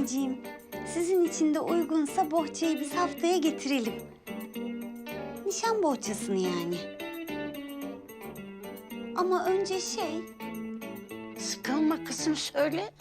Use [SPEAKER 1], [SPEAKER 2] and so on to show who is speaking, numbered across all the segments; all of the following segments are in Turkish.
[SPEAKER 1] Anneciğim, sizin için de uygunsa bohçayı biz haftaya getirelim. Nişan bohçasını yani. Ama önce
[SPEAKER 2] Sıkılma kızım, söyle.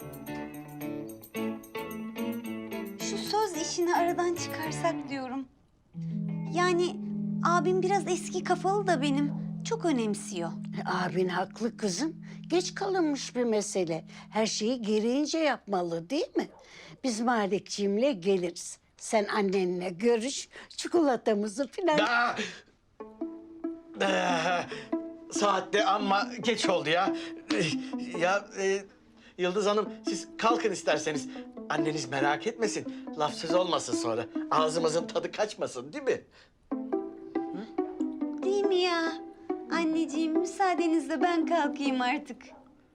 [SPEAKER 1] şu söz işini aradan çıkarsak diyorum. Yani abim biraz eski kafalı da benim. Çok önemsiyor.
[SPEAKER 2] Abin haklı kızım. Geç kalınmış bir mesele. Her şeyi gereğince yapmalı değil mi? Biz Malikciğimle geliriz. Sen annenle görüş, çikolatamızı filan...
[SPEAKER 3] Saatte amma geç oldu ya. Yıldız Hanım siz kalkın isterseniz. Anneniz merak etmesin. Laf söz olmasın sonra. Ağzımızın tadı kaçmasın değil mi?
[SPEAKER 1] Değil mi ya? Anneciğim, müsaadenizle ben kalkayım artık.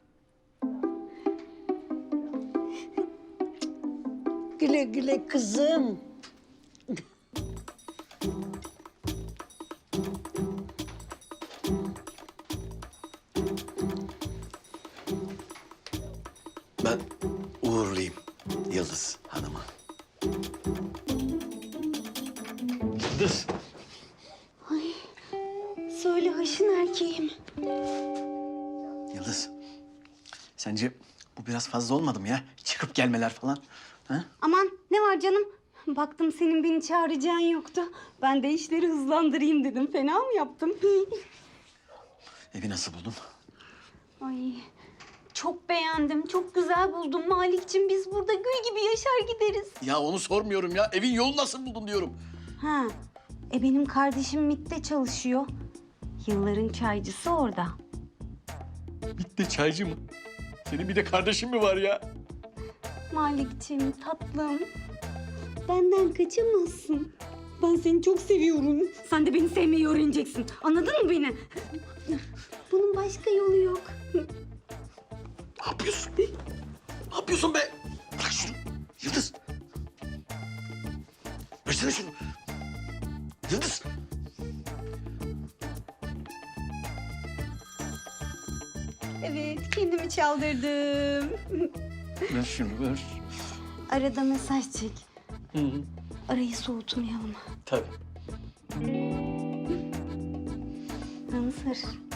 [SPEAKER 2] Güle güle kızım.
[SPEAKER 3] Ben uğurlayayım Yıldız Hanım'ı. Yıldız.
[SPEAKER 1] Söyle haşin erkeğim.
[SPEAKER 4] Yıldız, sence bu biraz fazla olmadı mı ya? Çıkıp gelmeler falan. Ha?
[SPEAKER 1] Aman ne var canım? Baktım senin beni çağıracağın yoktu. Ben de işleri hızlandırayım dedim. Fena mı yaptım?
[SPEAKER 4] Evi nasıl buldun?
[SPEAKER 1] Ay çok beğendim. Çok güzel buldum Malikciğim. Biz burada gül gibi yaşar gideriz.
[SPEAKER 4] Ya onu sormuyorum ya. Evin yolunu nasıl buldun diyorum.
[SPEAKER 1] Ha, benim kardeşim MİT'te çalışıyor. Yılların çaycısı orada.
[SPEAKER 4] Bitti çaycı mı? Senin bir de kardeşin mi var ya?
[SPEAKER 1] Malikciğim tatlım. Benden kaçamazsın. Ben seni çok seviyorum. Sen de beni sevmeyi öğreneceksin. Anladın mı beni? Bunun başka yolu yok.
[SPEAKER 4] Ne yapıyorsun? Ne yapıyorsun be? Bırak şunu. Yıldız. Versene şunu. Yıldız.
[SPEAKER 1] Evet, kendimi çaldırdım.
[SPEAKER 4] Ver şunu ver.
[SPEAKER 1] Arada mesaj çek.
[SPEAKER 4] Hı hı.
[SPEAKER 1] Arayı soğutmayalım.
[SPEAKER 4] Tabii.
[SPEAKER 1] Hınzır.